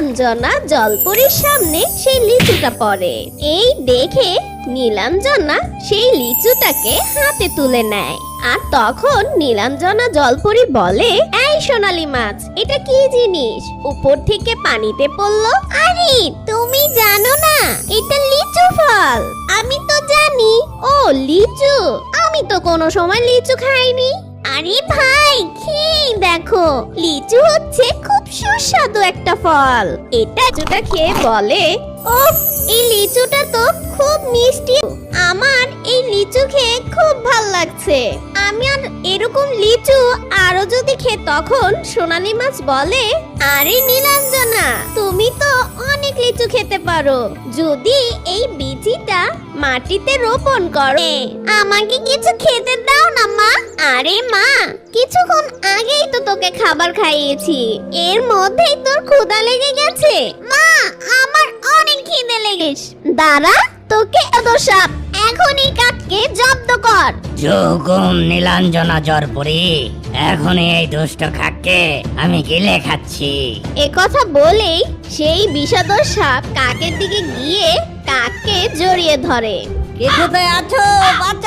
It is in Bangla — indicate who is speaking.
Speaker 1: নীলাঞ্জনা জলপরীর সামনে সেই লিচুটা পড়ে। এই দেখে নীলাঞ্জনা সেই লিচুটাকে হাতে তুলে নেয়। আর তখন নীলাঞ্জনা জলপরী বলে, এই সোনালী মাছ, এটা কি জিনিস উপর থেকে পানিতে পড়লো? আরে তুমি জানো না এটা লিচু ফল? আমি তো জানি। ও লিচু, আমি তো কোনো সময় লিচু খাইনি। আরে ভাই, খেয়ে দেখো, লিচু হচ্ছে খুব সুস্বাদু একটা ফল। এটা লিচুটা খেয়ে বলে, ওফ, এই লিচুটা তো খুব মিষ্টি। আমার এই লিচু খেয়ে খুব ভাল লাগছে। আমি আর এরকম লিচু আরো যদি খেয়ে। তখন সোনালী মাছ বলে, আরে নীলাঞ্জনা, তুমি তো অনেক লিচু খেতে পারো যদি এই বীজটা মাটিতে রোপণ করো। আমাকে কিছু খেতে দাও না মা। আরে মা, কিছুক্ষণ আগেই তো তোকে খাবার খাইয়েছি, এর মধ্যেই তোর ক্ষুধা লেগে গেছে। মা, আমার অনেক খিদে লেগেছে। দাঁড়া, তোকে এত সাপ, এখনই কাককে জব্দ কর।
Speaker 2: জুকুম নীলাঞ্জনা জলপরি, এখনই এই দুষ্ট কাককে আমি গিলে খাচ্ছি।
Speaker 1: এ কথা বলেই সেই বিষাদর সাপ কাকের দিকে গিয়ে কাককে জড়িয়ে ধরে।
Speaker 2: কে কোথায় আছো?